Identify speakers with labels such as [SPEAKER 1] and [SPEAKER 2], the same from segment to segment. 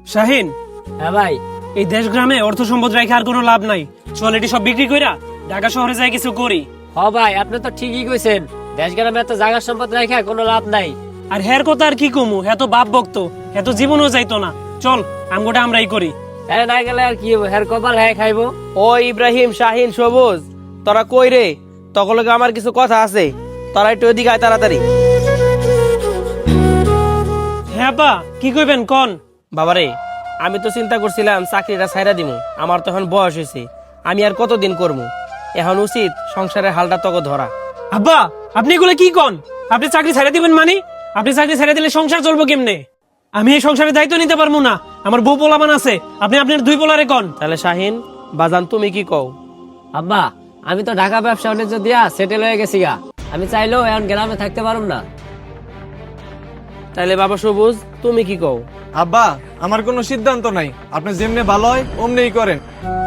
[SPEAKER 1] শাহিন,
[SPEAKER 2] হ্যাঁ ভাই।
[SPEAKER 1] এই দেশ গ্রামে অর্থ সম্পদ রেখে আর কোনো লাভ নাই। চল এটি সব বিক্রি কইরা ঢাকা শহরে যাই কিছু করি।
[SPEAKER 2] ভাই আপনি তো ঠিকই কইছেন, দেশ গ্রামে এত জায়গা সম্পদ রেখে কোনো লাভ নাই।
[SPEAKER 1] আর হের কথা আর কি কমু, এত বাপ বক্ত, এত জীবনও যাইতো না। চল আমগোটা আমরাই করি।
[SPEAKER 2] হ্যাঁ না গেলে আর কি হবো, হের কপাল হ্যাঁ খাইবো।
[SPEAKER 3] ও ইব্রাহিম, শাহিন, সবুজ, তোরা কই রে? তকলকে আমার কিছু কথা আছে, তোরা একটু ওদিকে আয় তাড়াতাড়ি।
[SPEAKER 1] হ্যাঁ পা, কি কইবেন কোন?
[SPEAKER 3] বাবারে, আমি তো চিন্তা করছিলাম চাকরিটা ছাইরা দিমু, আমার তো এখন বয়স হয়েছে, আমি আর কতদিন করবো। এখন উচিত সংসারের হালটা তকে ধরা।
[SPEAKER 1] আব্বা, আপনি এগুলো কি কোন? আপনি চাকরি ছেড়ে দিবেন মানে? আপনি চাকরি ছেড়ে দিলে সংসার চলবো কেমনে? আমি এই সংসারের দায়িত্ব নিতে পারবো না, আমার বউ পোলাপান আছে। আপনি আপনার দুই পোলারে কোন।
[SPEAKER 3] তাহলে শাহিন বাজান, তুমি কি কও?
[SPEAKER 2] আব্বা, আমি তো ঢাকা ব্যবসা বাণিজ্য দিয়া সেটেল হয়ে গেছি গা, আমি চাইলেও এখন গ্রামে থাকতে পারুম না।
[SPEAKER 3] তাহলে বাবা সবুজ, তুমি কি কও?
[SPEAKER 4] আব্বা, আমার কোনো সিদ্ধান্ত নাই, আপনি যেমনে ভালো হয় অমনেই করেন।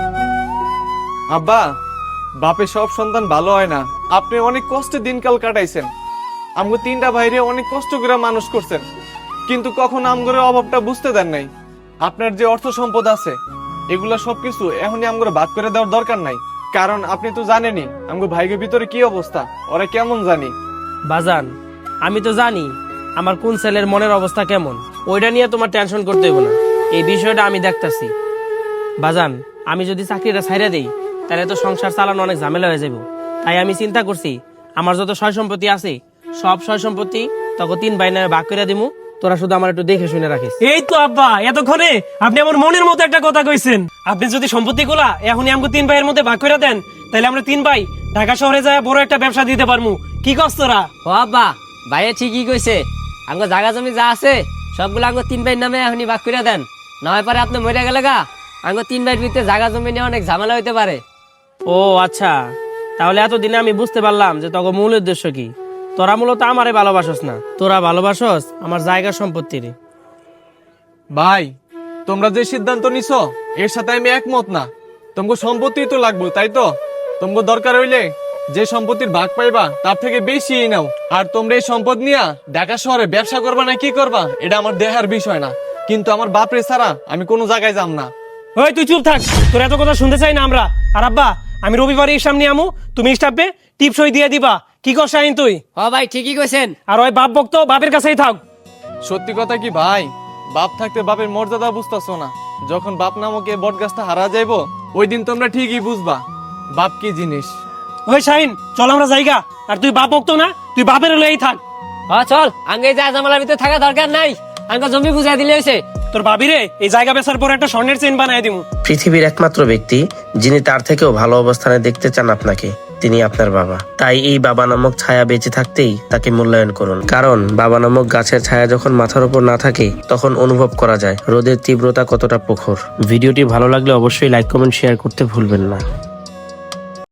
[SPEAKER 4] আব্বা, বাপের সব সন্তান ভালো হয় না। আপনি অনেক কষ্টে দিনকাল কাটাইছেন, আমগো তিনটা ভাইরে অনেক কষ্ট করে মানুষ করছেন, কিন্তু কখন আমগরে অভাবটা বুঝতে দেন নাই। আপনার যে অর্থ সম্পদ আছে এগুলা সবকিছু এখনই আমগরে ভাগ করে দেওয়ার দরকার নাই, কারণ আপনি তো জানেনই আমগো ভাইগের ভিতরে কি অবস্থা, ওরা কেমন জানি।
[SPEAKER 3] বাজান, আমি তো জানি আমার কোন ছেলের মনের অবস্থা কেমন, ওইটা নিয়ে তোমার টেনশন করতে হবে না, এই বিষয়টা আমি দেখতাছি। বাজান, আমি যদি চাকরিটা ছাইরা দেই তাহলে তো সংসার চালানো অনেক ঝামেলা হয়ে যাবে। তাই আমি চিন্তা করছি আমার যত সয় সম্পত্তি আছে সব সয় সম্পত্তি তখন 3 ভাই নামে ভাগ করে দিমু, তোরা শুধু আমার একটু দেখে শুনে রাখিস।
[SPEAKER 1] এই তো আব্বা, এতক্ষণে আপনি আমার মনের মতো একটা কথা কইছেন। আপনি যদি সম্পত্তি গুলা এখনই আমাকে 3 ভাইয়ের মধ্যে ভাগ করে দেন, তাহলে আমরা 3 ভাই ঢাকা শহরে যায় বড় একটা ব্যবসা দিতে পারবো। কি কস তোরা?
[SPEAKER 2] আব্বা, ভাইয়া ঠিকই কইছে, আঙ্গো জায়গা জমি যা আছে সবগুলো আঙ্গো 3 ভাইয়ের নামে এখনই ভাগ করে দেন, না হয় পরে আপনি মরে গেলে গা আঙ্গো 3 ভাইয়ের ভিতরে জায়গা জমি নিয়ে অনেক ঝামেলা হইতে পারে।
[SPEAKER 3] ও আচ্ছা, তাহলে এতদিনে আমি বুঝতে পারলাম যে তোর মূল উদ্দেশ্য কি। তোরা মূলত আমারে ভালোবাসস না, তোরা ভালোবাসস আমার জায়গা সম্পত্তির।
[SPEAKER 4] ভাই, তোমরা যে সিদ্ধান্ত নিছো এর সাথে আমি একমত না। তোমাকে সম্পত্তি তো লাগবে, তাই তো? তোমাকে দরকার হইলে যে সম্পত্তির ভাগ পাইবা তার থেকে বেশি নাও। আর তোমরা এই সম্পদ নিয়া ঢাকা শহরে ব্যবসা করবা না কি করবা এটা আমার দেহার বিষয় না, কিন্তু আমার বাপরে ছাড়া আমি কোনো জায়গায় যাম না।
[SPEAKER 1] ওই তুই চুপ থাক, তোর এত কথা শুনতে চাই না আমরা। আর আব্বা, আমি রবিবারে এর সামনে আমু, তুমি স্টাফে টিপ সই দিয়ে দিবা। কি কর শাহিন তুই?
[SPEAKER 2] ভাই ঠিকই কইছেন।
[SPEAKER 1] আর ওই বাপ বক্ত বাপের কাছেই থাক।
[SPEAKER 4] সত্যি কথা কি ভাই, বাপ থাকতে বাপের মর্যাদা বুঝতেছো না। যখন বাপ নামক এই বট গাছটা হারা যাইবো ওই দিন তোমরা ঠিকই বুঝবা বাপ কি জিনিস।
[SPEAKER 1] ওই শাহিন, চল আমরা জায়গা। আর তুই বাপ বক্ত না, তুই বাপের লয়েই থাক।
[SPEAKER 2] হ্যাঁ চল, আঙ্গে যা জামালার ভিতরে থাকা দরকার নাই, আঙ্গো জমি বুঝাই দিলে হইছে।
[SPEAKER 1] তোর ভাবিরে এই জায়গা বেচার পর একটা স্বর্ণের চেইন বানায় দিমু।
[SPEAKER 5] পৃথিবীর একমাত্র ব্যক্তি যিনি তার থেকেও ভালো অবস্থানে দেখতে চান আপনাকে, তিনি আপনার বাবা। তাই এই বাবা নামক ছায়া বেঁচে থাকতেই তাকে মূল্যায়ন করুন, কারণ বাবা নামক গাছের ছায়া যখন মাথার উপর না থাকে তখন অনুভব করা যায় রোদের তীব্রতা কতটা প্রখর। ভিডিওটি ভালো লাগলে অবশ্যই লাইক, কমেন্ট, শেয়ার করতে ভুলবেন না।